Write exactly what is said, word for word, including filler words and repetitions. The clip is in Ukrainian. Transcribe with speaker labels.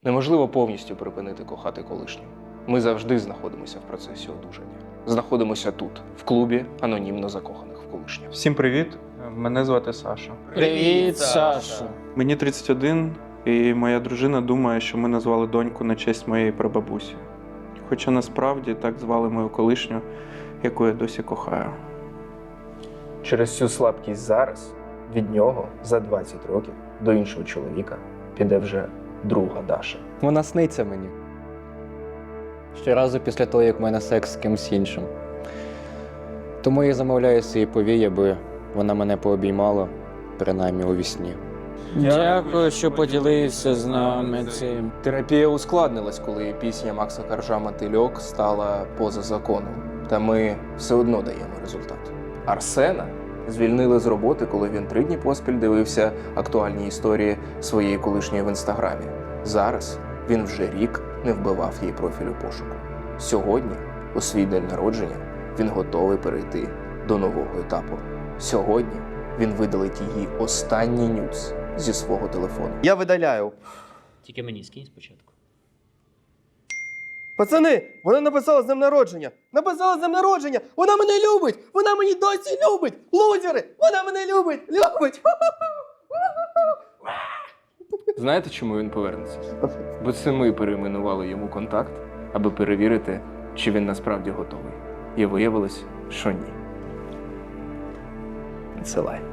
Speaker 1: Неможливо повністю припинити кохати колишню. Ми завжди знаходимося в процесі одужання. Знаходимося тут, в клубі анонімно закоханих в колишню.
Speaker 2: Всім привіт, мене звати Саша.
Speaker 3: Привіт, Саша!
Speaker 2: Мені тридцять один, і моя дружина думає, що ми назвали доньку на честь моєї прабабусі. Хоча насправді так звали мою колишню, яку я досі кохаю.
Speaker 1: Через цю слабкість зараз від нього за двадцять років до іншого чоловіка піде вже друга Даша.
Speaker 3: Вона сниться мені. Щоразу після того, як в мене секс з кимсь іншим. Тому я замовляю свої повій, аби вона мене пообіймала, принаймні у вісні.
Speaker 4: Дякую, що поділився з нами цим.
Speaker 1: Терапія ускладнилась, коли пісня Макса Коржа «Мотильок» стала поза законом. Та ми все одно даємо результат. Арсена звільнили з роботи, коли він три дні поспіль дивився актуальні історії своєї колишньої в інстаграмі. Зараз він вже рік не вбивав її профіль у пошуку. Сьогодні, у свій день народження, він готовий перейти до нового етапу. Сьогодні він видалить її останній нюц зі свого телефону.
Speaker 5: Я видаляю.
Speaker 6: Тільки мені скинь спочатку.
Speaker 5: Пацани, вона написала з днем народження. Написала з днем народження. Вона мене любить. Вона мені досі любить. Лузери. Вона мене любить. Любить.
Speaker 1: Знаєте, чому він повернеться? Бо це ми перейменували йому контакт, аби перевірити, чи він насправді готовий. І виявилось, що ні. Відсилай.